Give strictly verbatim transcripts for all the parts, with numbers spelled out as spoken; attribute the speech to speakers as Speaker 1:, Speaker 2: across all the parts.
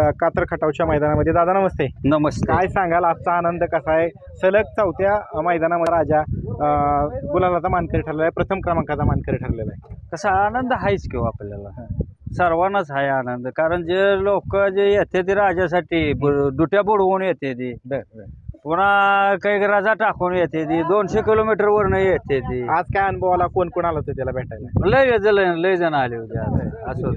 Speaker 1: कातर खटावच्या मैदानामध्ये. दादा नमस्ते.
Speaker 2: नमस्ते.
Speaker 1: काय सांगाल आजचा आनंद कसा आहे? सलग चौथ्या अ, मैदानामध्ये राजा अ, गुलालाचा मानकरी ठरलेला आहे, प्रथम क्रमांकाचा मानकरी ठरलेला आहे.
Speaker 2: कसा आनंद आहेच किंवा आपल्याला सर्वांनाच आहे आनंद, कारण जे लोक जे येते ते राजासाठी ब- दुट्या बुडवून येते ती,
Speaker 1: बर बर.
Speaker 2: पुन्हा काही राजा टाकून येते ती, दोनशे किलोमीटर वरनं येते ती.
Speaker 1: आज काय अनुभव आला? कोण कोण आलं होतं त्याला भेटायला?
Speaker 2: लय लय लय जण आले होते आज. असं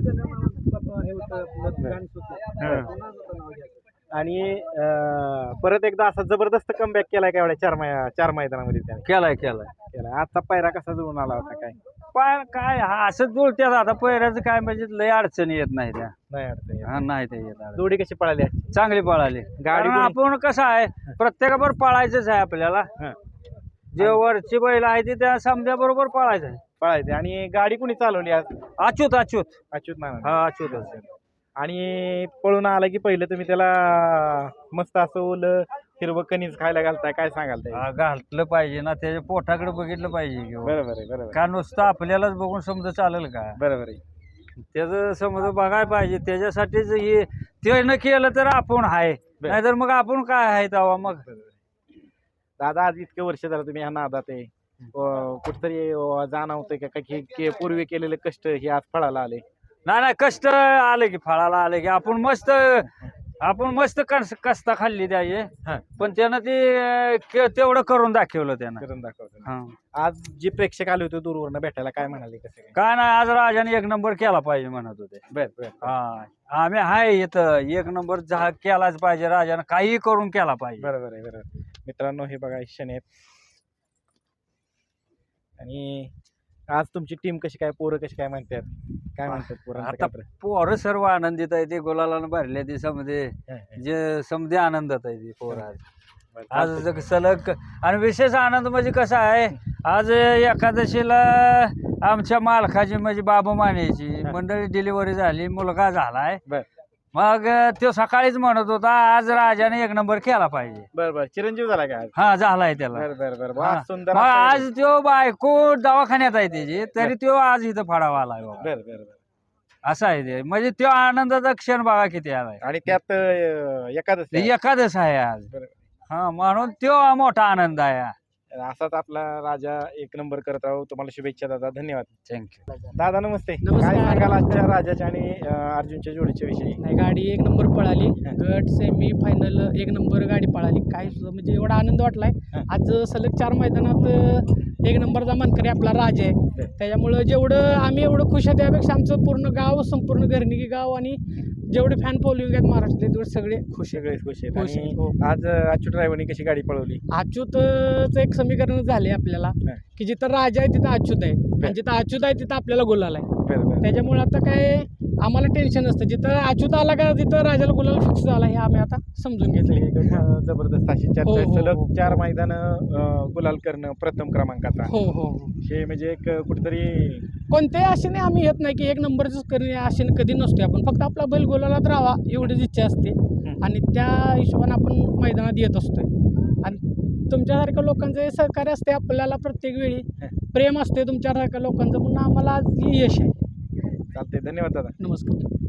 Speaker 1: आणि अ, परत एकदा असा जबरदस्त कमबॅक केलाय का एवढ्या चार मै चार मैदानामध्ये त्याने
Speaker 2: केलाय केलाय
Speaker 1: केलाय. आजचा पायरा कसा जुळून आला होता? काय
Speaker 2: पाय काय हा असं जुळत्यात आता पहिल्याचं काय म्हणजे लय अडचणी येत नाही त्या.
Speaker 1: नाही अडचण येत.
Speaker 2: हा नाही ते येत अडचण.
Speaker 1: जोडी कशी पळाली आजची?
Speaker 2: चांगली पळाली
Speaker 1: गाडी
Speaker 2: कारण
Speaker 1: कोणी-
Speaker 2: आपण कसं आहे प्रत्येकाबरोबर पळायचंच आहे आपल्याला.
Speaker 1: हं.
Speaker 2: जे वरची बैल आहे ती त्या समजा बरोबर पळायचं आहे.
Speaker 1: पळायचे. आणि गाडी कुणी चालवली आज?
Speaker 2: अच्युत अच्युत
Speaker 1: अच्युत नाना.
Speaker 2: हा अच्युतच.
Speaker 1: आणि पळून आला की पहिलं तुम्ही त्याला मस्त असं ओलं हिरवं कणीस खायला घालताय, काय सांगाल ते?
Speaker 2: हा, घातलं पाहिजे ना, त्याच्या पोटाकडे बघितलं पाहिजे किंवा
Speaker 1: बरोबर आहे बरोबर
Speaker 2: का नुसतं आपल्यालाच बघून समजा चालेल का?
Speaker 1: बरोबर आहे.
Speaker 2: त्याचं समजा बघायला पाहिजे. त्याच्यासाठीच हे ते न केलं तर आपण आहे, नाहीतर मग आपण काय आहे तेव्हा मग.
Speaker 1: दादा आज इतके वर्ष झालं तुम्ही ह्या नादात आहे, अं, कुठतरी अं, जाणवतंय का की की पूर्वी केलेले कष्ट हे आज फळाला आले?
Speaker 2: नाही नाही, कष्ट आले की फळाला आले की आपण मस्त आपण मस्त कस कष्ट खाल्ली त्याचे,
Speaker 1: हा.
Speaker 2: पण त्यानं ते अं, के- तेवढं करून दाखवलं त्यानं.
Speaker 1: करून दाखवतो.
Speaker 2: हा.
Speaker 1: आज जे प्रेक्षक आले होते दूरवरनं भेटायला, काय म्हणाले कसे काय?
Speaker 2: काय नाही, आज राजाने एक नंबर केला पाहिजे म्हणत होते.
Speaker 1: बर बर.
Speaker 2: हा, आम्ही आहे इथं एक नंबर जहा केलाच पाहिजे, राजानं काही करून केला पाहिजे.
Speaker 1: बरोबर आहे बरोबर. मित्रांनो हे बघा क्षण आहेत. आणि आज तुमची टीम कशी काय, पोरं कशी काय म्हणतात, काय म्हणतात पोरांचं
Speaker 2: आता
Speaker 1: काय?
Speaker 2: पोरं सर्व आनंदित आहे, ते गुलालानं भरले ते समजे
Speaker 1: हं, हं.
Speaker 2: जे समजे आनंदात आहे ते पोरं आज.
Speaker 1: बरं,
Speaker 2: आज
Speaker 1: चालतंय.
Speaker 2: जग सलग आणि विशेष आनंद म्हणजे कसा आहे, आज एकादशीला आमच्या मालकाची म्हणजे बाबू मानेची मंडळी डिलिव्हरी झाली, मुलगा झालाय.
Speaker 1: बर
Speaker 2: मग तो सकाळीच म्हणत होता आज राजाने एक नंबर केला पाहिजे.
Speaker 1: बर बर. चिरंजीव झाला का आज?
Speaker 2: हा, झालाय त्याला.
Speaker 1: बर बर बर.
Speaker 2: हा.
Speaker 1: वा, सुंदर
Speaker 2: मग
Speaker 1: असा
Speaker 2: आज तो बायको दवाखान्यात आहे त्याची, तरी तो आज इथं फाडावा आलाय बघा.
Speaker 1: बर बर बर.
Speaker 2: असं आहे ते, म्हणजे तो आनंदाचा क्षण बघा किती आलाय.
Speaker 1: आणि त्यात अं, एकादशी आहे.
Speaker 2: एकादश आहे आज.
Speaker 1: बरं.
Speaker 2: हा, म्हणून तो मोठा आनंद आहे.
Speaker 1: असाच आपला राजा एक नंबर करत राहू. तुम्हाला शुभेच्छा दादा, धन्यवाद.
Speaker 2: थँक्यू.
Speaker 1: दादा नमस्ते.
Speaker 3: नमस्कार.
Speaker 1: काय सांगाल आजच्या राजाच्या आणि अं, अर्जुनच्या जोडीच्या विषयी?
Speaker 3: नाही, गाडी एक नंबर पळाली. गट सेमी फायनल एक नंबर गाडी पळाली. काय सुद्धा म्हणजे एवढा आनंद वाटलाय. आज सलग चार मैदानात अ, एक नंबरचा मानकरी आपला राज आहे. त्याच्यामुळं जेवढं आम्ही एवढं खुश आहे, त्यापेक्षा आमचं पूर्ण गाव, संपूर्ण घरनिकी गाव आणि जेवढे फॅन फॉलोइंग आहेत महाराष्ट्रातले तेवढे सगळे खुश आहेत.
Speaker 1: सगळे खुश आहेत.
Speaker 3: खुश आहेत,
Speaker 1: आणि
Speaker 3: हो.
Speaker 1: आज अं, अच्युत ड्रायव्हरनी कशी गाडी पळवली?
Speaker 3: अच्युतचं एक समीकरण झाले आपल्याला
Speaker 1: हं.
Speaker 3: की जिथं राजा आहे तिथं अच्युत आहे, आणि जिथं अच्युत आहे तिथं आपल्याला गुलाल आहे.
Speaker 1: बरं बरं.
Speaker 3: त्याच्यामुळे आता काय आम्हाला टेन्शन नसतं. जिथं अच्युत आला का तिथं राजाला गुलाल फिक्स झाला, हे आम्ही आता समजून घेतले.
Speaker 1: एक, अं, जबरदस्त अशी चर्चा आहे.
Speaker 3: हो, हो,
Speaker 1: सलग
Speaker 3: हो.
Speaker 1: चार मैदान गुलाल करणं प्रथम क्रमांकाचा,
Speaker 3: हो हो हो.
Speaker 1: हे म्हणजे एक कुठेतरी
Speaker 3: कोणत्याही आशेने आम्ही येत नाही की एक नंबरच करणे आशेने कधी नसते. आपण फक्त आपला बैल गोलालाच राहावा एवढीच इच्छा असते, आणि त्या हिशोबाने आपण मैदानात येत असतोय. आणि तुमच्यासारख्या लोकांचं हे सहकार्य असते आपल्याला, प्रत्येक वेळी प्रेम असते तुमच्यासारख्या लोकांचं, म्हणून आम्हाला आज हे यश आहे.
Speaker 1: चालते. धन्यवाद दादा.
Speaker 3: नमस्कार.